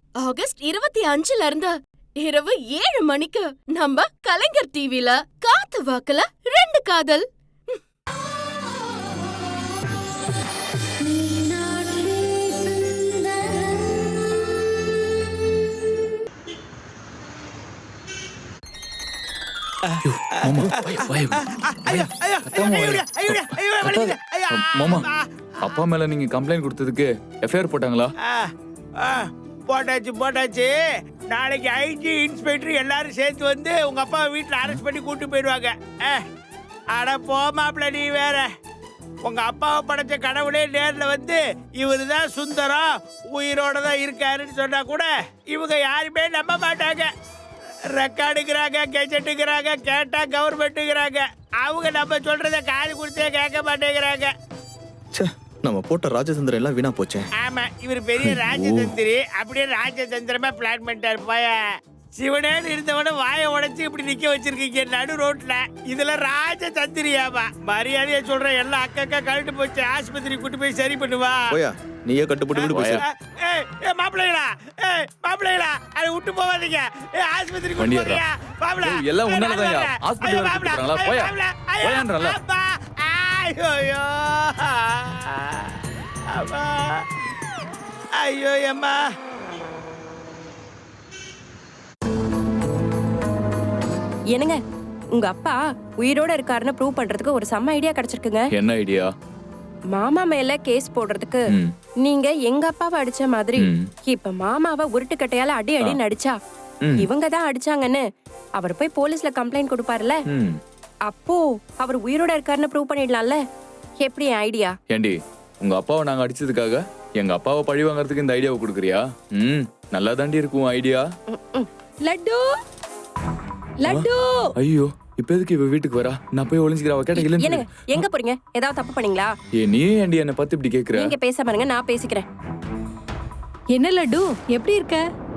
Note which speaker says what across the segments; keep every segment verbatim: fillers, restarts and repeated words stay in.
Speaker 1: August இருபத்தி அஞ்சுல இருந்து இரவு ஏழு மணிக்கு நம்ம கலைஞர் டிவில காத்து வாக்குல ரெண்டு காதல்.
Speaker 2: மாமா, அப்பா மேல நீங்க கம்ப்ளைண்ட் கொடுத்ததுக்கு எஃப்ஐஆர் போட்டாங்களா?
Speaker 3: போட்டாச்சு போட்டாச்சு. நாளைக்கு ஐஜி இன்ஸ்பெக்டர் எல்லாரும் சேர்த்து வந்து உங்க அப்பா வீட்டுல அரெஸ்ட் பண்ணி கூட்டு போயிடுவாங்க. அட போமாப்ல, நீ வேற. உங்க அப்பாவை படைச்ச கடவுளே நேர்ல வந்து இவரு தான் சுந்தரம், உயிரோட தான் இருக்காருன்னு சொன்னா கூட இவங்க யாருமே நம்ப மாட்டாங்க. ரெக்கார்டுங்கிறாங்க, கெஜெட்டுங்கிறாங்க, கேட்டா கவர்மெண்ட்டுங்கிறாங்க. அவங்க நம்ம சொல்றத காது கொடுத்தே கேட்க மாட்டேங்கிறாங்க.
Speaker 4: நம்ம போட்ட ராஜதந்திரம் எல்லாம் வீணா போச்சே.
Speaker 3: ஆமா, இவர் பெரிய ராஜதந்திரி. அப்படியே ராஜதந்திரமா பிளான் பண்ணிட்டாரு. போய சிவனேன்னு இருந்தவன வாயை உடைச்சு இப்படி நிக்க வச்சிருக்கீங்க நடு ரோட்ல. இதுல ராஜதந்திரியாமா? மரியாதையா சொல்ற, எல்லாம் அக்கா கழட்டு போச்சு. ஆஸ்பத்திரி கூட்டு போய் சரி பண்ணுவா.
Speaker 4: போயா, நீயே கட்டுப்பட்டு விடு. போய்
Speaker 3: மாப்பிள்ளைகளா, மாப்பிள்ளைகளா, அதை விட்டு போவாதீங்க. ஆஸ்பத்திரி கூட்டு போறியா? மாப்பிள்ள
Speaker 2: எல்லாம் உன்னாலதான் ஹாஸ்பிடல் கூட்டிட்டு போயா. போயான்றல.
Speaker 3: ஐயோ அம்மா, ஐயோ அம்மா.
Speaker 1: என்னங்க, உங்க அப்பா உயிரோட இருக்காருன்னு ப்ரூவ் பண்றதுக்கு ஒரு செம்ம ஐடியா கிடைச்சிருக்குங்க.
Speaker 2: என்ன ஐடியா?
Speaker 1: மாமா மேல கேஸ் போடுறதுக்கு நீங்க எங்க அப்பாவை அடிச்ச மாதிரி இப்ப மாமாவை உருட்டுக்கட்டையால அடி அடின்னு அடிச்சா இவங்க தான் அடிச்சாங்கன்னு அவர் போய் போலீஸ்ல கம்ப்ளைண்ட் கொடுப்பாருல, அப்போ அவர் உயிரோட இருக்காருன்னு ப்ரூவ் பண்ணிடலாம்ல. எப்படி ஐடியா?
Speaker 2: ஏண்டி, உங்க அப்பாவை நாங்க அடிச்சதுக்காக எங்க அப்பாவை பழி வாங்கறதுக்கு இந்த ஐடியாவை கொடுக்குறியா? ம், நல்லா தாண்டி இருக்கும் ஐடியா.
Speaker 1: லட்டு லட்டு.
Speaker 2: ஐயோ, இப்ப எதுக்கு இவ வீட்டுக்கு வரா? நான் போய் ஒளிஞ்சிக்கிறேன். அவ கேட்ட இல்லன்னு.
Speaker 1: என்னங்க, எங்க போறீங்க? ஏதாவது தப்பு பண்ணீங்களா?
Speaker 2: ஏ, நீ ஏண்டி என்ன பத்தி இப்படி கேக்குற?
Speaker 1: நீங்க பேச பாருங்க, நான் பேசிக்கிறேன்.
Speaker 5: என்ன லட்டு, எப்படி இருக்க?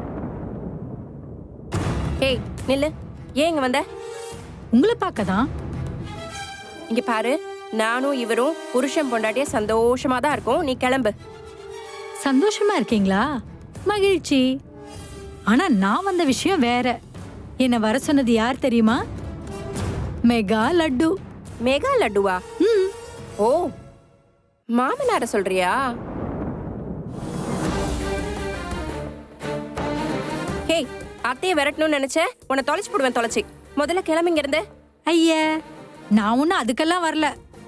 Speaker 1: ஏய் நில்லு. ஏன் இங்க வந்த?
Speaker 5: உங்களை பார்க்கதான்.
Speaker 1: இங்க பாரு, நானும் இவரும் புருஷன் பொண்டாட்டிய சந்தோஷமா தான் இருக்கோம். நீ கிளம்பு.
Speaker 5: சந்தோஷமா இருக்கீங்களா? மகிழ்ச்சி. ஆனா நான் வந்த விஷயம் வேற. என்ன வர சொன்னது யார் தெரியுமா? மெகா லட்டு.
Speaker 1: மெகா லட்டுவா?
Speaker 5: ம்.
Speaker 1: ஓ, மாமனார சொல்றியா? ஹேய், அத்தையை விரட்டணும்னு நினைச்சேன். உன்னை தொலைச்சு போடுவேன், தொலைச்சி. முதல்ல கிளம்பிங்க இருந்து.
Speaker 5: ஐயா, நான் ஒன்னும் அதுக்கெல்லாம் வரல.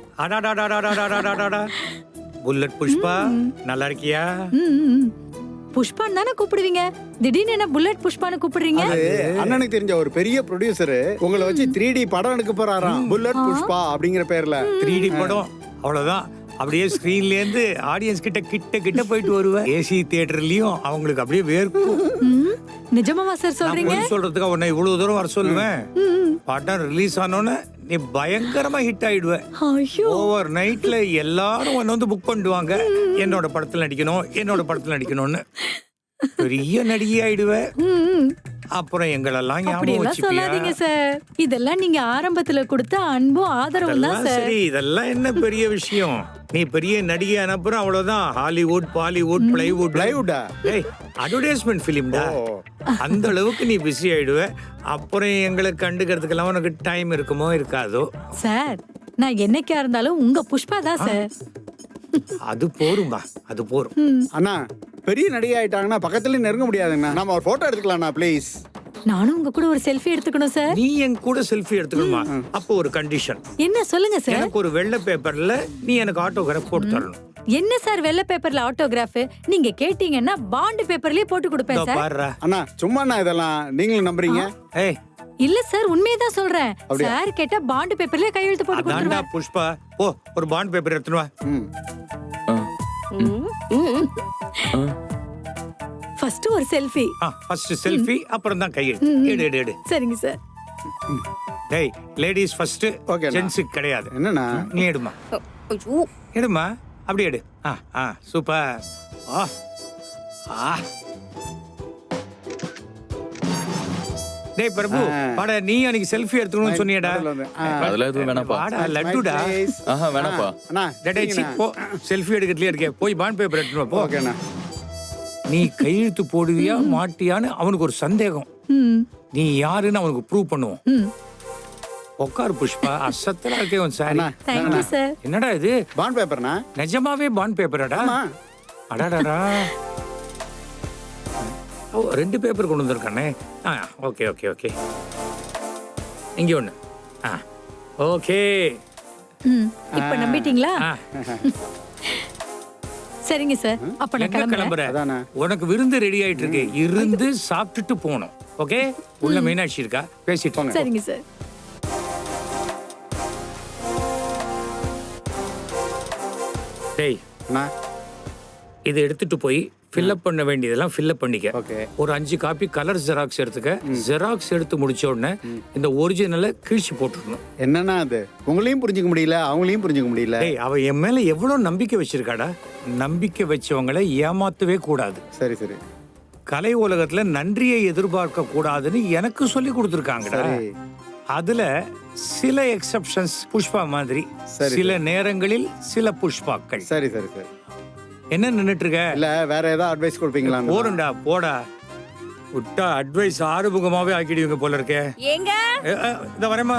Speaker 3: புல்லட் புஷ்பா, நல்லா இருக்கியா?
Speaker 5: புஷ்பான்னு தானே கூப்பிடுவீங்க, திடீர்னு என்ன புல்லட் புஷ்பான்னு கூப்பிடுறீங்க?
Speaker 6: அண்ணனுக்கு தெரிஞ்ச ஒரு பெரிய ப்ரொடியூசர் உங்களை வச்சு த்ரீ டி படம் எடுக்க போறாராம். புல்லட் புஷ்பா அப்படிங்கிற பேர்ல.
Speaker 3: த்ரீ டி படம் அவ்வளவுதான். அப்படியே ஸ்கிரீன்ல இருந்து ஆடியன்ஸ் கிட்ட கிட்ட கிட்ட போயிட்டு வருவேன். ஏசி தியேட்டர்லயும் அவங்களுக்கு அப்படியே வேர்க்கும்.
Speaker 5: நிஜமாவா சார் சொல்றீங்க?
Speaker 3: சொல்றதுக்கு உன்னை இவ்வளவு தூரம் வர சொல்லுவேன். படம் ரிலீஸ் ஆனோன்னு நீ பயங்கரமா ஹிட் ஆயிடுவ. ஓவர் நைட்ல எல்லாரும் உன்னை வந்து புக் பண்ணிடுவாங்க. என்னோட படத்துல நடிக்கணும், என்னோட படத்துல நடிக்கணும்னு. பெரிய நடிகை ஆயிடுவ. அப்புறம் எங்களெல்லாம் ஞாபகம்
Speaker 5: சொல்லாதீங்க சார். இதெல்லாம் நீங்க ஆரம்பத்துல கொடுத்த அன்பும் ஆதரவும் தான் சார்.
Speaker 3: சரி, இதெல்லாம் என்ன பெரிய விஷயம்? நீ பெரிய நடிகை அனுப்புற, அவ்வளவுதான். Hollywood, Bollywood, plywood.
Speaker 6: பிளைவுட்டா?
Speaker 3: ஏய், அட்வர்டைஸ்மெண்ட் ஃபிலிம்டா. அந்த அளவுக்கு நீ பிஸி ஆயிடுவ. அப்புறம் எங்களை கண்டுக்கிறதுக்கெல்லாம் உனக்கு டைம் இருக்குமோ இருக்காதோ?
Speaker 5: சார், நான் என்னைக்கா இருந்தாலும் உங்க புஷ்பா தான் சார்.
Speaker 3: அது போரும்பா, அது போரும்.
Speaker 6: அண்ணா, பெரிய நடிகை ஆயிட்டாங்கன்னா பக்கத்துல நெருங்க முடியாதுங்கண்ணா. நம்ம ஒரு போட்டோ எடுத்துக்கலாம்ண்ணா ப்ளீஸ்.
Speaker 5: நானும் உங்க கூட ஒரு செல்ஃபி எடுத்துக்கணும் சார்.
Speaker 3: நீ என் கூட செல்ஃபி எடுத்துக்கணுமா? அப்போ ஒரு கண்டிஷன்.
Speaker 5: என்ன சொல்லுங்க சார்?
Speaker 3: எனக்கு ஒரு வெள்ளை பேப்பர்ல நீ எனக்கு ஆட்டோகிராஃப் போட்டு தரணும்.
Speaker 5: என்ன சார் வெள்ளை பேப்பர்ல ஆட்டோகிராஃப்? நீங்க கேட்டீங்கன்னா பாண்ட் பேப்பர்லயே போட்டு கொடுப்பேன் சார்.
Speaker 3: பாருடா
Speaker 6: அண்ணா, சும்மா இதெல்லாம் நீங்களும் நம்புறீங்க?
Speaker 3: ஏய்,
Speaker 5: இல்ல சார், உண்மையதான் சொல்றேன். சார் கேட்டா பாண்ட் பேப்பர்லயே கையெழுத்து போட்டு
Speaker 3: அதான்டா
Speaker 5: கொடுத்துருவேன்.
Speaker 3: புஷ்பா. ஓ, ஒரு பாண்ட் பேப்பர் எடுத்துட்டு வா.
Speaker 5: ஃபர்ஸ்ட் ஒரு செல்ஃபி.
Speaker 3: ஆ, ஃபர்ஸ்ட் செல்ஃபி, அப்புறம் தான் கையெழுத்து. எடு எடு எடு.
Speaker 5: சரிங்க சார்.
Speaker 3: டேய், லேடிஸ் ஃபர்ஸ்ட்,
Speaker 6: ஓகே.
Speaker 3: ஜென்ஸ் கிடையாது.
Speaker 6: என்னண்ணா?
Speaker 3: நீ எடுமா.
Speaker 1: ஐயோ,
Speaker 3: எடுமா, அப்படியே எடு. ஆ ஆ, சூப்பர். ஆ ஆ. டேய் பிரபு, வாடா, நீ அன்னைக்கு செல்ஃபி எடுத்துக்கணும்னு சொன்னியடா.
Speaker 2: அதெல்லாம் எதுவும் வேணாப்பா.
Speaker 3: வாடா, லட்டுடா.
Speaker 2: ஆஹா, வேணாப்பா.
Speaker 6: அண்ணா,
Speaker 3: டேய் சி, போ. செல்ஃபி எடுக்கிறதுலயே இருக்கே, போய் பாண்ட் பேப்பர் எடுத்துட்டு வா போ.
Speaker 6: ஓகேண்ணா.
Speaker 7: நீ கையெழுத்து போடுவியா மாட்டியான்னு அவனுக்கு ஒரு சந்தேகம்.
Speaker 5: ம்
Speaker 7: நீ யாருன்னு அவனுக்கு ப்ரூவ் பண்ணுவோம்.
Speaker 5: ம்
Speaker 7: உட்காரு புஷ்பா, அசத்தலா இருக்கே உன் சாரி.
Speaker 5: Thank you sir.
Speaker 7: என்னடா இது,
Speaker 6: பாண்ட் பேப்பர்னா?
Speaker 7: நிஜமாவே பாண்ட் பேப்பராடா?
Speaker 6: ஆமா.
Speaker 7: அடாடாடா, ஓ ரெண்டு பேப்பர் கொண்டு வந்திருக்கானே. ஆ ஓகே ஓகே ஓகே, இங்கே ஒன்று. ஆ ஓகே.
Speaker 5: ம் இப்போ நம்பிட்டீங்களா?
Speaker 7: ஆ
Speaker 5: சரிங்க சார், அப்ப நான்
Speaker 7: எங்க
Speaker 5: கிளம்புறேன்.
Speaker 7: கிளம்புற?
Speaker 6: அதானே.
Speaker 7: உனக்கு விருந்து ரெடி ஆயிட்டு இருக்கு, இருந்து சாப்பிட்டுட்டு போகணும். ஓகே, உள்ள மீனாட்சி இருக்கா, பேசிட்டு போங்க.
Speaker 5: சரிங்க சார்.
Speaker 7: டேய்,
Speaker 6: அண்ணா.
Speaker 7: இதை எடுத்துட்டு போய் ஃபில்அப் பண்ண வேண்டியதெல்லாம் ஃபில்அப் பண்ணிக்க.
Speaker 6: ஓகே.
Speaker 7: ஒரு அஞ்சு காப்பி கலர் ஜெராக்ஸ் எடுத்துக்க. ஜெராக்ஸ் எடுத்து முடிச்ச உடனே இந்த ஒரிஜினலை கிழிச்சு போட்டுடணும்.
Speaker 6: என்னன்னா அது உங்களையும் புரிஞ்சுக்க முடியல, அவங்களையும் புரிஞ்சுக்க முடியல.
Speaker 7: டேய், அவ என் மேல எவ்வளவு நம்பிக்கை வச்சிருக்காடா. நம்பிக்கை வச்சவங்களை ஏமாத்தவே கூடாது.
Speaker 6: சரி சரி
Speaker 7: கலை உலகத்துல நன்றியை எதிர்பார்க்க கூடாதுன்னு எனக்கு சொல்லி கொடுத்துருக்காங்கடா.
Speaker 6: சரி.
Speaker 7: அதுல சில எக்ஸெப்ஷன்ஸ், புஷ்பா மாதிரி.
Speaker 6: சரி,
Speaker 7: சில நேரங்களில் சில புஷ்பாக்கள்.
Speaker 6: சரி சரி சரி
Speaker 7: என்ன நின்னுட்டு இருக்க?
Speaker 6: இல்ல வேற ஏதாவது அட்வைஸ் கொடுப்பீங்களா?
Speaker 7: போறண்டா போடா. விட்டா அட்வைஸ் ஆறுமுகமாவே ஆக்கிடுவீங்க போல இருக்கே.
Speaker 1: ஏங்க
Speaker 7: ஏ, ஏ, இந்த வரேம்மா.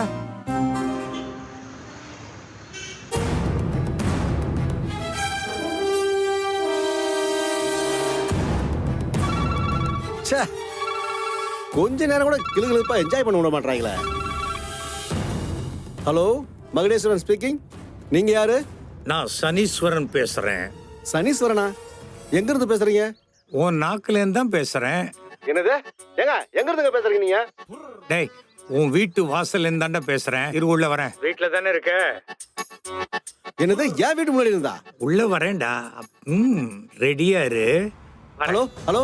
Speaker 8: ச்சே, கொஞ்ச நேரம் கூட கிளுகிளுப்பா என்ஜாய் பண்ண விட மாட்டாங்களே. Hello, Magudeswaran speaking. நீங்க யாரு?
Speaker 7: நான் சனீஸ்வரன் பேசுறேன்.
Speaker 8: சனீஸ்வரனா? எங்க இருந்து பேசுறீங்க?
Speaker 7: உன் நாக்குல இருந்து தான் பேசுறேன்.
Speaker 8: என்னது? ஏங்க எங்க இருந்துங்க பேசுறீங்க நீங்க?
Speaker 7: டேய், உன் வீட்டு வாசல்ல இருந்தாண்டா பேசுறேன். இரு, உள்ள வரேன். வீட்டுல தானே இருக்க?
Speaker 8: என்னது? என் வீட்டு முன்னாடி இருந்தா?
Speaker 7: உள்ள வரேன்டா. ம் ரெடியா இரு.
Speaker 8: ஹலோ ஹலோ,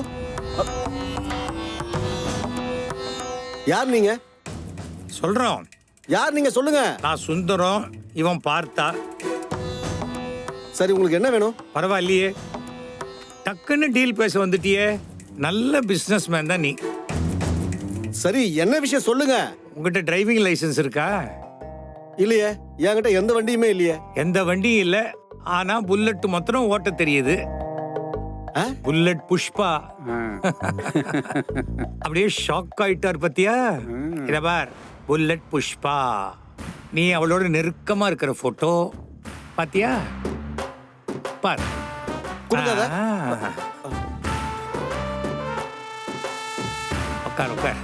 Speaker 8: யார் நீங்க?
Speaker 7: சொல்றோம்.
Speaker 8: யார் நீங்க சொல்லுங்க.
Speaker 7: நான் சுந்தரம், இவன் பார்த்தா.
Speaker 8: சரி, உங்களுக்கு என்ன வேணும்?
Speaker 7: பரவாயில்லையே, டக்குன்னு டீல் பேச வந்துட்டியே. நல்ல பிசினஸ் மேன் தான் நீ.
Speaker 8: சரி, என்ன விஷயம் சொல்லுங்க.
Speaker 7: உங்ககிட்ட டிரைவிங் லைசென்ஸ் இருக்கா?
Speaker 8: இல்லையே, என்கிட்ட எந்த வண்டியுமே இல்லையே.
Speaker 7: எந்த வண்டியும் இல்ல, ஆனா புல்லட் மாத்திரம் ஓட்ட தெரியுது.
Speaker 8: ஆ?
Speaker 7: புல்லட் புஷ்பா.
Speaker 6: ஆ.
Speaker 7: அப்படியே ஷாக் ஆயிட்டார் பத்தியா? இத பார், புல்லட் புஷ்பா. நீ அவளோட நெருக்கமா இருக்கிற போட்டோ பாத்தியா? பார்.
Speaker 8: கொடுக்காத.
Speaker 7: ஆ. உட்கார் உட்கார்.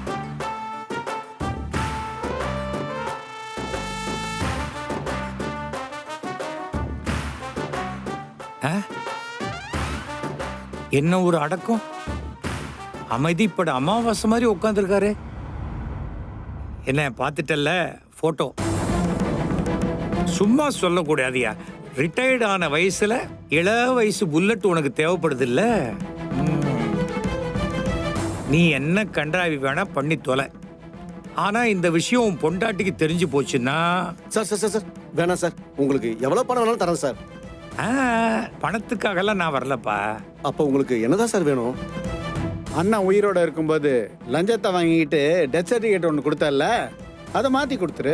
Speaker 7: ஆ? என்ன ஒரு அடக்கம். அமைதிப்பட அமாவாசை மாதிரி உட்காந்துருக்காரு. என்ன பார்த்துட்டல்ல போட்டோ? சும்மா சொல்லக்கூடாதியா. ரிட்டையர்ட் ஆன வயசுல இள வயசு புல்லட் உனக்கு தேவைப்படுது இல்ல? நீ என்ன கண்டாவி வேணா பண்ணி தொலை. ஆனா இந்த விஷயம் உன் பொண்டாட்டிக்கு தெரிஞ்சு போச்சுன்னா.
Speaker 8: சார் சார் சார் சார் வேணாம் சார். உங்களுக்கு எவ்வளவு பணம் வேணாலும் தரேன் சார்.
Speaker 7: ஆ, பணத்துக்காகலாம் நான் வரலப்பா.
Speaker 8: அப்போ உங்களுக்கு என்னதான் சார் வேணும்?
Speaker 6: அண்ணா உயிரோட இருக்கும்போது லஞ்சத்தை வாங்கிட்டு டெத் சர்டிஃபிகேட் ஒன்று கொடுத்தல, அதை மாத்தி கொடுத்துரு.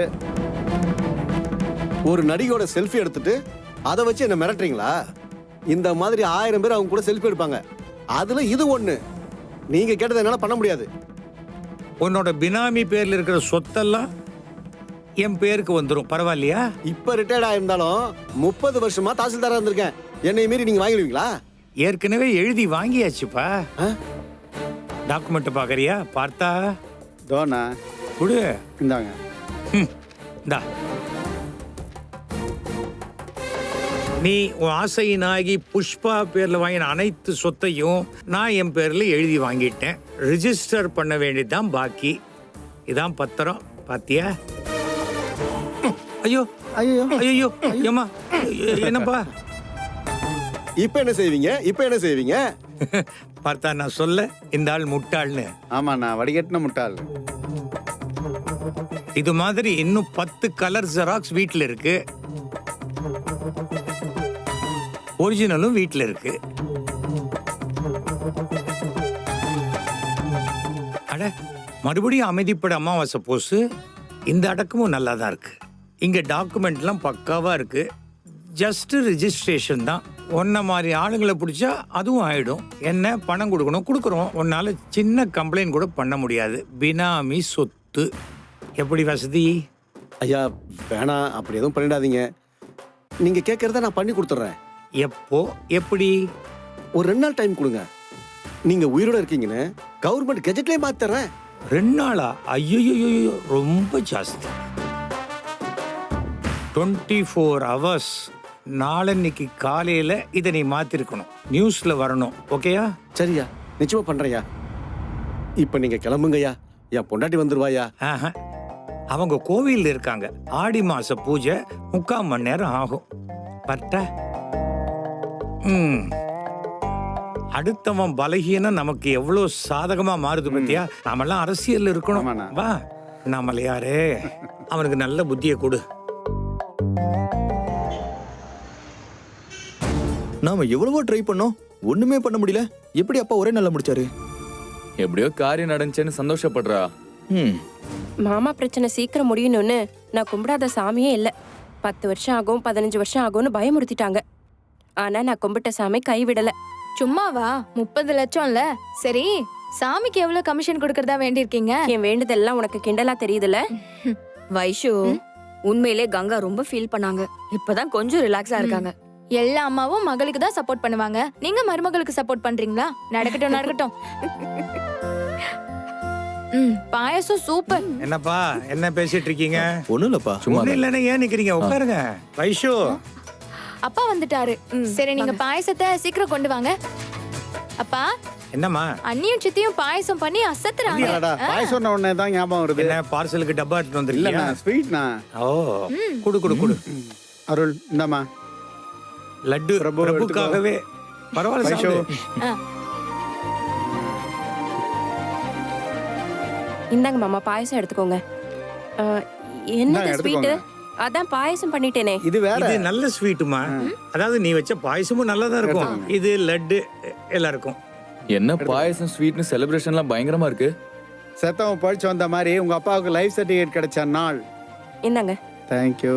Speaker 8: ஒரு நடிகையோட செல்ஃபி எடுத்துட்டு அதை வச்சு என்ன மிரட்டுறீங்களா? இந்த மாதிரி ஆயிரம் பேர் அவங்க கூட செல்ஃபி எடுப்பாங்க. அதுல இது ஒண்ணு. நீங்க கேட்டதை என்னால பண்ண முடியாது.
Speaker 7: உன்னோட பினாமி பேர்ல இருக்கிற சொத்தெல்லாம் என் பேருக்கு வந்துடும். பரவாயில்லையா?
Speaker 8: இப்ப ரிட்டையர்ட் ஆயிருந்தாலும் முப்பது வருஷமா தாசில்தாரா இருந்திருக்கேன். என்னை மீறி நீங்க வாங்கிடுவீங்களா?
Speaker 7: ஏற்கனவே எழுதி வாங்கியாச்சுப்பா.
Speaker 8: ஆ?
Speaker 7: டாக்குமெண்ட் பாக்கறியா? பார்த்தா
Speaker 6: தோனா
Speaker 7: குடு.
Speaker 6: இந்தாங்க.
Speaker 7: ம், இந்தா. நீ உன் ஆசையினாகி புஷ்பா பேர்ல வாங்கின அனைத்து சொத்தையும் நான் என் பேர்ல எழுதி வாங்கிட்டேன். ரிஜிஸ்டர் பண்ண வேண்டியதுதான் பாக்கி. இதான் பத்திரம். பாத்தியா? ஐயோ
Speaker 6: ஐயோ
Speaker 7: ஐயோ ஏமா, என்னப்பா?
Speaker 8: இப்ப என்ன செய்வீங்க? இப்ப என்ன செய்வீங்க?
Speaker 7: பார்த்தா நான் சொல்ல இந்த ஆள் முட்டாள்னு.
Speaker 6: ஆமா, நான் வடிகட்டின முட்டாள்.
Speaker 7: இது மாதிரி இன்னும் பத்து கலர் ஜெராக்ஸ் வீட்டில் இருக்கு. ஒரிஜினலும் வீட்டில் இருக்கு. அட, மறுபடியும் அமைதிப்பட அமாவாசை போஸ். இந்த அடக்கமும் நல்லா தான் இருக்கு. இங்க டாக்குமெண்ட்லாம் பக்காவா இருக்கு. ஜஸ்ட் ரிஜிஸ்ட்ரேஷன் தான். உன்ன மாதிரி ஆளுங்களை பிடிச்சா அதுவும் ஆயிடும். என்ன பணம் கொடுக்கணும், கொடுக்குறோம். உன்னால சின்ன கம்ப்ளைண்ட் கூட பண்ண முடியாது. பினாமி சொத்து எப்படி வசதி?
Speaker 8: ஐயா வேணாம், அப்படி எதுவும் பண்ணிடாதீங்க. நீங்க கேட்கறத நான் பண்ணி கொடுத்துட்றேன்.
Speaker 7: எப்போ எப்படி?
Speaker 8: ஒரு ரெண்டு நாள் டைம் கொடுங்க. நீங்க உயிரோட இருக்கீங்கன்னு கவர்மெண்ட் கெஜெட்லயே மாத்திடுறேன்.
Speaker 7: ரெண்டு நாளா? ஐயோ, ரொம்ப ஜாஸ்தி. டுவெண்ட்டி ஃபோர் ஹவர்ஸ் நாளன்னைக்கு காலையில இதை நீ மாத்திருக்கணும், நியூஸ்ல வரணும். ஓகேயா?
Speaker 8: சரியா, நிச்சயமா பண்றையா. இப்ப நீங்க கிளம்புங்கய்யா, என் பொண்டாட்டி வந்துருவாயா?
Speaker 7: ஆஹா. அவங்க கோவில்ல இருக்காங்க. ஆடி மாச பூஜை முக்கால் மணி நேரம் ஆகும். பட்ட ம் அடுத்தவன் பலகீனம் நமக்கு எவ்வளவு சாதகமா மாறுது பத்தியா? நாமெல்லாம் அரசியல்ல இருக்கணும்.
Speaker 6: ஆமாண்ணா.
Speaker 7: வா, நாமல யாரு? அவனுக்கு நல்ல புத்தியை கொடு.
Speaker 4: நாம எவ்வளவோ ட்ரை பண்ணோம், ஒண்ணுமே பண்ண முடியல. எப்படி அப்பா ஒரே நாள்ல முடிச்சாரு?
Speaker 2: எப்படியோ காரியம் நடந்துச்சேன்னு சந்தோஷப்படுறா.
Speaker 4: ம்
Speaker 1: மாமா பிரச்சனை சீக்கிரம் முடியணும்னு நான் கும்பிடாத சாமியே இல்ல. பத்து வருஷம் ஆகும், பதினஞ்சு வருஷம் ஆகும்னு பயமுறுத்திட்டாங்க. ஆனா நான் கும்பிட்ட சாமி கைவிடல.
Speaker 9: சும்மாவா? முப்பது லட்சம்ல. சரி, சாமிக்கு எவ்வளவு கமிஷன் கொடுக்கறதா வேண்டியிருக்கீங்க?
Speaker 1: என் வேண்டுதெல்லாம் உனக்கு கிண்டலா தெரியுதுல?
Speaker 10: வைஷு, உண்மையிலே கங்கா ரொம்ப ஃபீல் பண்ணாங்க. இப்பதான் கொஞ்சம் ரிலாக்ஸா இருக்காங்க.
Speaker 9: எல்லா அம்மாவும் மகளுக்கு தான் சப்போர்ட் பண்ணுவாங்க, நீங்க மருமகளுக்கு சப்போர்ட் பண்றீங்களா? நடக்கட்டும் நடக்கட்டும். ம், பாயசம் சூப்பர்.
Speaker 7: என்னப்பா என்ன பேசிட்டு இருக்கீங்க?
Speaker 4: ஒண்ணும் இல்லப்பா.
Speaker 2: சும்மா
Speaker 7: ஒண்ணும் இல்லைன்னா ஏன் நிக்கிறீங்க? உட்காருங்க. வைஷு,
Speaker 9: அப்பா வந்துட்டாரு. சரி, நீங்க பாயசத்தை சீக்கிரம் கொண்டு வாங்க. அப்பா,
Speaker 7: என்னம்மா?
Speaker 9: அண்ணியும் சித்தியும் பாயசம் பண்ணி அசத்துறாங்க.
Speaker 6: இல்லடா, பாயசம் உடனே தான் ஞாபகம் வருது.
Speaker 7: என்ன பார்சலுக்கு டப்பா எடுத்துட்டு
Speaker 6: இல்லண்ணா,
Speaker 7: வந்திருக்கீங்க?
Speaker 6: ஸ்வீட்ண்ணா.
Speaker 7: ஓ, குடு குடு குடு.
Speaker 6: அருள் இந்தாம்மா.
Speaker 7: லட்டு
Speaker 6: பிரபு
Speaker 7: பிரபுக்காகவே. பரவாயில்ல
Speaker 6: வைஷு.
Speaker 7: சாப்பிடு.
Speaker 1: இந்தாங்க மாமா, பாயசம் எடுத்துக்கோங்க. ஆ, என்னது
Speaker 6: இந்தாங்க,
Speaker 1: ஸ்வீட்?
Speaker 6: எடுத்துக்கோங்க.
Speaker 1: அதான் பாயசம் பண்ணிட்டேனே.
Speaker 6: இது வேற.
Speaker 7: இது நல்ல ஸ்வீட்டுமா. அதாவது நீ வச்ச பாயசமும் நல்லதா இருக்கும்.
Speaker 6: எடுத்துக்கோங்க.
Speaker 7: இது லட்டு எல்லாருக்கும்.
Speaker 2: என்ன பாயசம் ஸ்வீட்னு செலிப்ரேஷன்லாம் பயங்கரமா இருக்கு.
Speaker 6: செத்தவன் பழிச்சு வந்த மாதிரி உங்க அப்பாவுக்கு லைஃப் சர்டிஃபிகேட் கிடைச்ச நாள்.
Speaker 1: இந்தாங்க.
Speaker 6: தேங்க்யூ.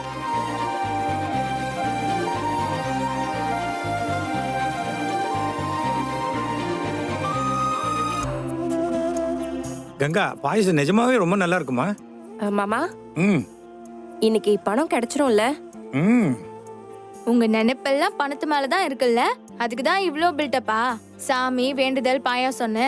Speaker 7: கங்கா, பாயசம் நிஜமாவே ரொம்ப நல்லா இருக்குமா?
Speaker 1: ஆ, மாமா,
Speaker 7: ம்
Speaker 1: இன்னைக்கு பணம் கிடைச்சிரும்ல?
Speaker 7: ம்
Speaker 9: உங்க நினைப்பெல்லாம் பணத்து மேலதான் இருக்குல்ல, அதுக்குதான் இவ்ளோ பில்டப்பா. சாமி வேண்டுதல் பாயாசம்னு.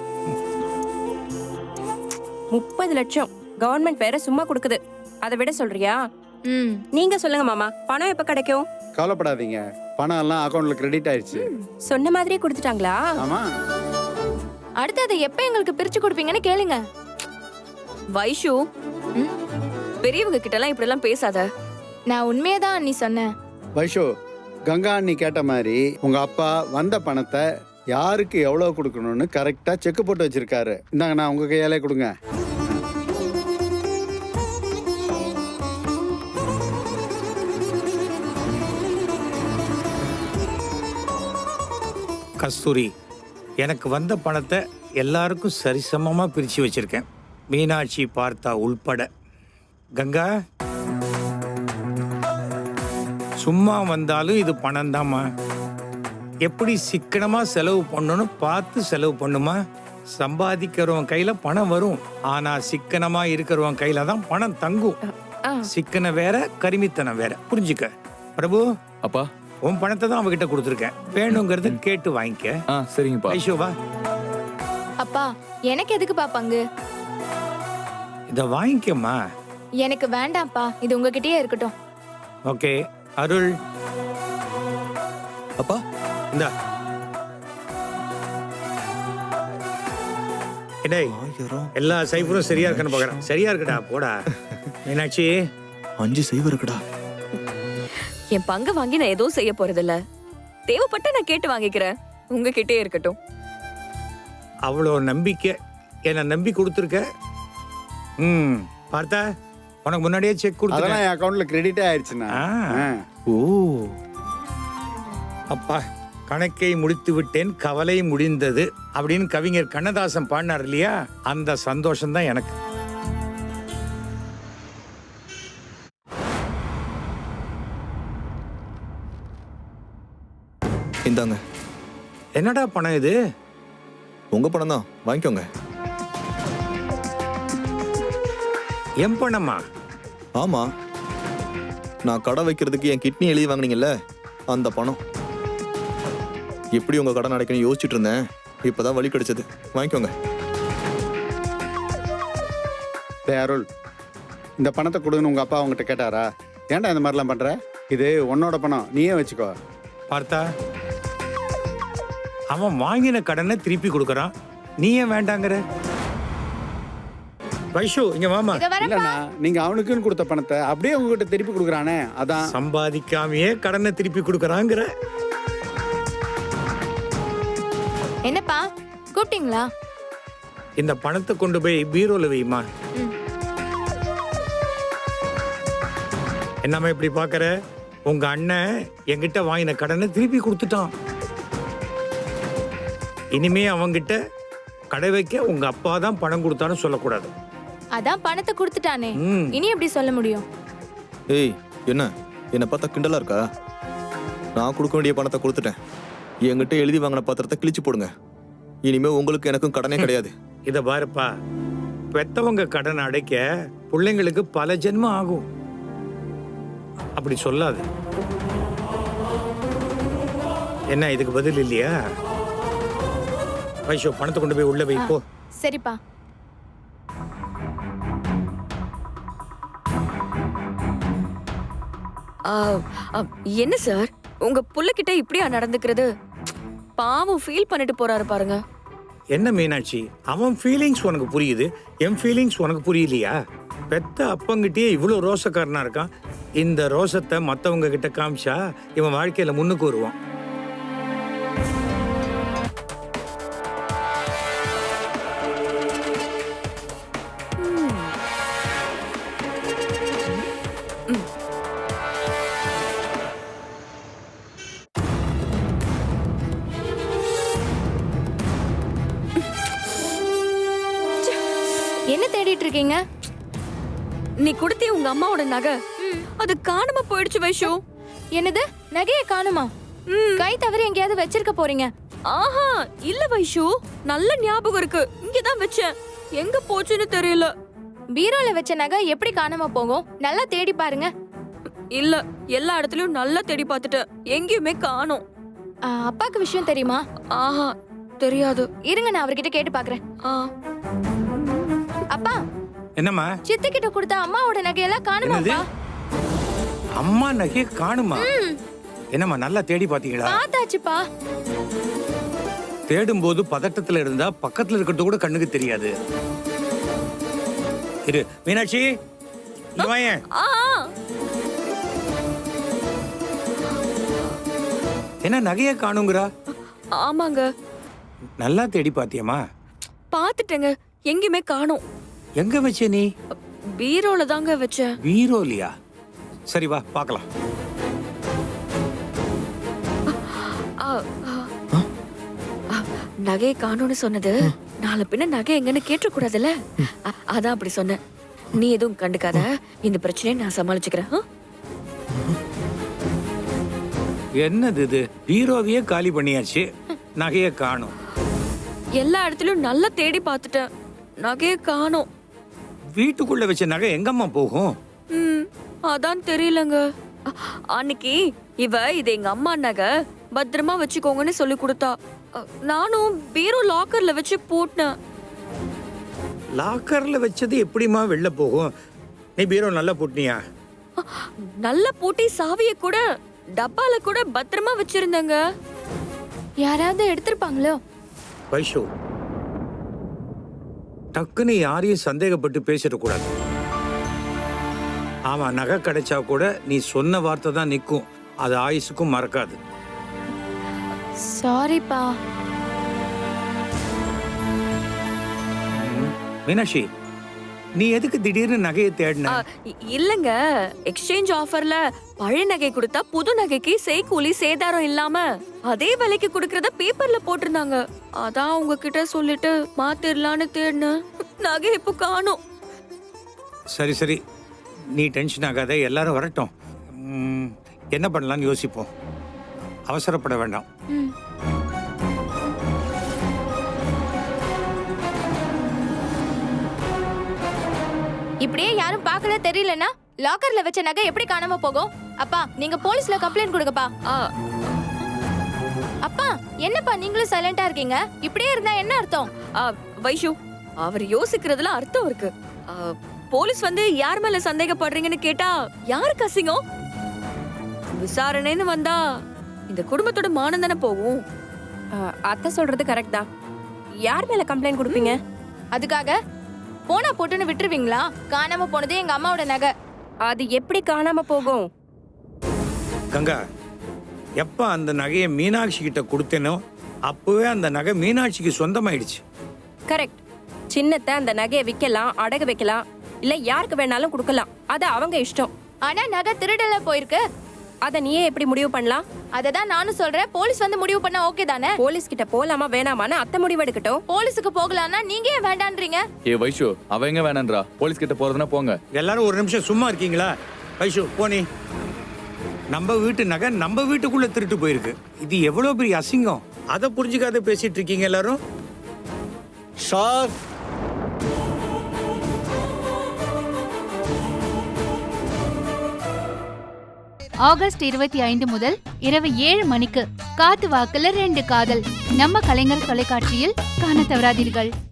Speaker 1: முப்பது லட்சம் கவர்மெண்ட் வேற சும்மா கொடுக்குது. அதை விட சொல்றியா?
Speaker 9: ம்,
Speaker 1: நீங்க சொல்லுங்க மாமா, பணம் எப்ப கிடைக்கும்?
Speaker 6: கவலைப்படாதீங்க, பணம் எல்லாம் அக்கௌண்ட்ல கிரெடிட் ஆயிடுச்சு.
Speaker 1: சொன்ன மாதிரியே கொடுத்துட்டாங்களா?
Speaker 6: ஆமா.
Speaker 9: அடுத்து அதை எப்ப எங்களுக்கு பிரிச்சு கொடுப்பீங்கன்னு கேளுங்க.
Speaker 10: வைஷு, பெரியவங்க கிட்ட எல்லாம் இப்படி எல்லாம் பேசாத.
Speaker 9: நான் உண்மையதான் அண்ணி சொன்னேன்.
Speaker 6: வைஷு, கங்கா அண்ணி கேட்ட மாதிரி உங்க அப்பா வந்த பணத்தை யாருக்கு எவ்வளவு கொடுக்கணும்னு கரெக்டா செக் போட்டு வச்சிருக்காரு. இந்தாங்க, நான் உங்க கையாலே கொடுங்க.
Speaker 7: கஸ்தூரி, எனக்கு வந்த பணத்தை எல்லாருக்கும் சரிசமமா பிரிச்சு வச்சிருக்கேன், மீனாட்சி பார்த்தா உள்பட. கங்கா, சும்மா வந்தாலும் இது பணம் தாம்மா. எப்படி சிக்கனமா செலவு பண்ணணும்னு பார்த்து செலவு பண்ணுமா. சம்பாதிக்கிறவன் கையில பணம் வரும், ஆனா சிக்கனமா இருக்கிறவன் கையில தான் பணம் தங்கும்.
Speaker 1: ஆ.
Speaker 7: சிக்கனம் வேற, கரிமித்தனம் வேற. புரிஞ்சுக்க பிரபு.
Speaker 2: அப்பா.
Speaker 7: உன் பணத்தை தான் அவகிட்ட கொடுத்துருக்கேன், வேணுங்கிறத கேட்டு வாங்கிக்க.
Speaker 2: ஆ, சரிங்கப்பா.
Speaker 7: ஐஷோ வா.
Speaker 9: அப்பா, எனக்கு எதுக்குப்பா பங்கு?
Speaker 7: இத வாங்கிக்கம்மா.
Speaker 9: எனக்கு வேண்டாம்ப்பா, இது உங்ககிட்டயே இருக்கட்டும்.
Speaker 7: ஓகே. அருள்,
Speaker 4: அப்பா
Speaker 7: இந்தா. டேய்,
Speaker 4: ஆயிரம்
Speaker 7: எல்லா சைஃபரும் சரியா இருக்கான்னு பாக்குறேன். சரியா இருக்குடா, போடா. மீனாட்சி,
Speaker 4: அஞ்சு சைவம் இருக்குடா.
Speaker 10: என் பங்கு வாங்கி நான் எதுவும் செய்ய போறதில்ல. தேவைப்பட்ட நான் கேட்டு வாங்கிக்கிறேன், உங்ககிட்டே இருக்கட்டும்.
Speaker 7: அவ்வளோ நம்பிக்கை என்ன நம்பி கொடுத்துருக்க. ம் பார்த்தா, உனக்கு முன்னாடியே செக்
Speaker 6: அதெல்லாம்
Speaker 7: கொடுத்தேன்.
Speaker 6: என் அக்கௌண்ட்ல கிரெடிட்டே ஆயிடுச்சுண்ணா.
Speaker 7: ஆ.
Speaker 6: ஆ.
Speaker 4: ஓ,
Speaker 7: அப்பா, கணக்கை முடித்து விட்டேன், கவலை முடிந்தது அப்படின்னு கவிஞர் கண்ணதாசன் பாடினார் இல்லையா? அந்த சந்தோஷம் தான் எனக்கு.
Speaker 4: இந்தாங்க.
Speaker 7: என்னடா பணம் இது?
Speaker 4: உங்க பணம் தான், வாங்கிக்கோங்க.
Speaker 7: என் பணமா?
Speaker 4: ஆமா, நான் கடை வைக்கிறதுக்கு என் கிட்னி எழுதி வாங்குனீங்கல்ல, அந்த பணம். எப்படி உங்க கடன் அடைக்கணும் யோசிச்சுட்டு இருந்தேன், இப்பதான் வழி கிடைச்சது. வாங்கிக்கோங்க.
Speaker 6: டேய் அருள், இந்த பணத்தை கொடுன்னு உங்க அப்பா அவங்ககிட்ட கேட்டாரா? ஏன்டா இந்த மாதிரிலாம் பண்ற? இது உன்னோட பணம், நீயே வச்சுக்கோ.
Speaker 7: பார்த்தா அவன் வாங்கின கடனை திருப்பி கொடுக்கறான், நீ ஏன் வேண்டாங்கிற? வைஷு இங்க வாமா.
Speaker 9: இத வரப்பா.
Speaker 6: இல்லண்ணா, நீங்க அவனுக்குன்னு கொடுத்த பணத்தை அப்படியே உங்ககிட்ட திருப்பி கொடுக்குறானே, அதான்.
Speaker 7: சம்பாதிக்காமையே கடனை திருப்பி கொடுக்கறாங்கற.
Speaker 9: என்னப்பா கூப்பிட்டீங்களா?
Speaker 7: இந்த பணத்தை கொண்டு போய் பீரோல வைமா.
Speaker 9: ம்.
Speaker 7: என்னம்மா இப்படி பாக்குற? உங்க அண்ணன் என்கிட்ட வாங்கின கடனை திருப்பி கொடுத்துட்டான். இனிமே அவங்கிட்ட கடை வைக்க உங்க அப்பா தான் பணம் கொடுத்தான்னு சொல்லக்கூடாது.
Speaker 9: அதான் பணத்தை கொடுத்துட்டானே,
Speaker 7: ம்.
Speaker 9: இனி எப்படி சொல்ல முடியும்?
Speaker 4: ஏய், என்ன என்னை பார்த்தா கிண்டலா இருக்கா? நான் கொடுக்க வேண்டிய பணத்தை கொடுத்துட்டேன். என்கிட்ட எழுதி வாங்கின பத்திரத்தை கிழிச்சு போடுங்க. இனிமே உங்களுக்கு எனக்கும் கடனே கிடையாது.
Speaker 7: இத பாருப்பா, பெத்தவங்க கடன் அடைக்க பிள்ளைங்களுக்கு பல ஜென்மம் ஆகும். அப்படி சொல்லாது. என்ன இதுக்கு பதில் இல்லையா? வைஷோ, பணத்தை கொண்டு போய் உள்ள வை போ.
Speaker 9: சரிப்பா.
Speaker 10: ஆ, ஆ, என்ன சார் உங்க புள்ளகிட்ட இப்படியா நடந்துக்கிறது? பாவம் ஃபீல் பண்ணிட்டு போறாரு பாருங்க.
Speaker 7: என்ன மீனாட்சி, அவன் ஃபீலிங்ஸ் உனக்கு புரியுது, என் ஃபீலிங்ஸ் உனக்கு புரியலையா? பெத்த அப்பங்கிட்டே இவ்வளவு ரோசக்காரனா இருக்கான். இந்த ரோசத்தை மத்தவங்க கிட்ட காமிச்சா இவன் வாழ்க்கையில முன்னுக்கு வருவான்.
Speaker 9: என்ன தேடிட்டு இருக்கீங்க?
Speaker 10: நீ கொடுத்தே உங்க அம்மாவோட நகை, அது காணாம போயிடுச்சு வைஷு.
Speaker 9: என்னது, நகையை காணுமா? கை தவறி எங்கேயாவது வச்சிருக்க போறீங்க?
Speaker 10: ஆஹா இல்ல வைஷு, நல்ல ஞாபகம் இருக்கு, இங்கதான் வச்சேன். எங்க போச்சுன்னு தெரியல.
Speaker 9: பீரோல வச்ச நகை எப்படி காணாம போகும்? நல்லா தேடி பாருங்க.
Speaker 10: இல்ல, எல்லா இடத்துலயும் நல்லா தேடி பார்த்துட்டேன், எங்கேயுமே காணோம்.
Speaker 9: ஆ, அப்பாக்கு விஷயம் தெரியுமா?
Speaker 10: ஆஹா தெரியாது.
Speaker 9: இருங்க, நான் அவர்கிட்ட கேட்டு பாக்குறேன்.
Speaker 10: ஆ,
Speaker 9: அப்பா,
Speaker 7: என்னம்மா?
Speaker 9: சித்தி கிட்ட கொடுத்த அம்மாவோட நகையெல்லாம் காணுமாப்பா?
Speaker 7: அம்மா நகையை காணுமா? என்னம்மா நல்லா தேடி பாத்தீங்களா?
Speaker 9: பார்த்தாச்சுப்பா.
Speaker 7: தேடும் போது பதட்டத்துல இருந்தா பக்கத்துல இருக்கிறது கூட கண்ணுக்கு தெரியாது. இரு மீனாட்சி, இங்க வாயேன்.
Speaker 10: ஆ,
Speaker 7: என்ன நகையை காணுங்கிறா?
Speaker 10: ஆமாங்க,
Speaker 7: நல்லா தேடி பாத்தியம்மா?
Speaker 10: பாத்துட்டேங்க, எங்கேயுமே காணோம்.
Speaker 7: எங்க வச்ச நீ?
Speaker 10: பீரோல தாங்க வச்சேன்.
Speaker 7: பீரோலியா? சரி வா பார்க்கலாம்.
Speaker 10: ஆ, ஆ. ஆ, நகையை காணோம்னு சொன்னது நாளை பின்ன நகை எங்கன்னு கேட்ட கூடாதுல்ல, அ- அதான் அப்படி சொன்னேன். நீ எதுவும் கண்டுக்காத, இந்த பிரச்சனையை நான் சமாளிச்சுக்கிறேன். ஆ?
Speaker 7: என்னது இது? பீரோவையே காலி பண்ணியாச்சு, நகையை காணும்.
Speaker 10: எல்லா இடத்துலயும் நல்லா தேடி பார்த்துட்டேன், நகையை காணோம்.
Speaker 7: வீட்டுக்குள்ள வச்ச நகை எங்கம்மா போகும்?
Speaker 10: ம், அதான் தெரியலங்க. அ- அன்னைக்கு இவ இது எங்க அம்மா நகை, பத்திரமா வச்சுக்கோங்கன்னு சொல்லி கொடுத்தா. அ, நானும் பீரோ லாக்கர்ல வச்சு பூட்டினேன்.
Speaker 7: லாக்கர்ல வச்சது எப்படிமா வெளில போகும்? நீ பீரோ நல்லா பூட்டினியா?
Speaker 10: அ, நல்ல பூட்டி சாவியை கூட டப்பால கூட பத்திரமா வச்சிருந்தேங்க.
Speaker 9: யாராவது எடுத்திருப்பாங்களோ?
Speaker 7: வைஷு, டக்குன்னு யாரையும் சந்தேகப்பட்டு பேசிடக்கூடாது. ஆமா, நகை கிடைச்சா கூட நீ சொன்ன வார்த்தை தான் நிற்கும், அது ஆயுசுக்கும் மறக்காது.
Speaker 9: சாரிப்பா.
Speaker 7: மீனாட்சி, நீ எதுக்கு திடீர்னு நகையை தேடின?
Speaker 10: அ, இ- இல்லங்க, எக்ஸ்சேஞ்ச் ஆஃபர்ல பழைய நகை கொடுத்தா புது நகைக்கு செய்கூலி சேதாரம் இல்லாம அதே விலைக்கு கொடுக்கறத பேப்பர்ல போட்டிருந்தாங்க. அதான் உங்ககிட்ட சொல்லிட்டு மாத்திரலான்னு தேடினேன், நகை இப்போ காணோம்.
Speaker 7: சரி சரி, நீ டென்ஷன் ஆகாத, எல்லாரும் வரட்டும். ம், என்ன பண்ணலாம்னு யோசிப்போம். அவசரப்பட வேண்டாம்.
Speaker 9: ம். இப்படியே யாரும் பார்க்கல தெரியலனா லாக்கர்ல வச்ச நகை எப்படி காணாம போகும்? அப்பா நீங்க போலீஸ்ல கம்ப்ளைண்ட் கொடுங்கப்பா.
Speaker 10: ஆ,
Speaker 9: அப்பா என்னப்பா நீங்களும் சைலண்டா இருக்கீங்க? இப்படியே இருந்தா என்ன அர்த்தம்?
Speaker 10: ஆ, வைஷு அவர் யோசிக்கிறதுல அர்த்தம் இருக்கு. ஆ, போலீஸ் வந்து யார் மேல சந்தேகப்படுறீங்கன்னு கேட்டா யாருக்கு அசிங்கம்? விசாரணைன்னு வந்தா இந்த குடும்பத்தோட மானம் தானே போகும்.
Speaker 1: ஆ, அத்தை சொல்றது கரெக்ட் தான். யார் மேல கம்ப்ளைண்ட் கொடுப்பீங்க?
Speaker 9: அதுக்காக போனா போட்டுன்னு விட்டுருவீங்களா? காணாம போனது எங்க அம்மாவோட நகை.
Speaker 1: அது எப்படி காணாம போகும்?
Speaker 7: கங்கா, எப்ப அந்த நகையை மீனாட்சி கிட்ட கொடுத்தேனோ அப்பவே அந்த நகை மீனாட்சிக்கு சொந்தமாயிடுச்சு.
Speaker 1: கரெக்ட். சின்னத்தை அந்த நகையை விற்கலாம், அடகு வைக்கலாம், இல்ல யாருக்கு வேணாலும் கொடுக்கலாம். அது அவங்க இஷ்டம்.
Speaker 9: ஆனா நகை திருடல போயிருக்கு.
Speaker 1: அத நீயே எப்படி முடிவு பண்ணலாம்?
Speaker 9: அததான் நானும் சொல்றேன். போலீஸ் வந்து முடிவு பண்ணா ஓகே தானே?
Speaker 1: போலீஸ் கிட்ட போலாமா வேணாமான்னு அத்தை முடிவு எடுக்கட்டும்.
Speaker 9: போலீஸுக்கு போகலாம்னா நீங்க ஏன் வேண்டான்றீங்க?
Speaker 2: ஏ வைஷு, அவ எங்க வேணான்றா? போலீஸ் கிட்ட போறதுன்னா போங்க.
Speaker 7: எல்லாரும் ஒரு நிமிஷம் சும்மா இருக்கீங்களா? வைஷு போனி. நம்ம வீட்டு நகை நம்ம வீட்டுக்குள்ள திருட்டு போயிருக்கு. இது எவ்வளவு பெரிய அசிங்கம். அதை புரிஞ்சுக்காத பேசிட்டு இருக்கீங்க எல்லாரும்.
Speaker 8: சார்,
Speaker 11: ஆகஸ்ட் இருபத்தி ஐந்து முதல் இரவு ஏழு மணிக்கு காத்து வாக்குல ரெண்டு காதல் நம்ம கலைஞர் தொலைக்காட்சியில் காண தவறாதீர்கள்.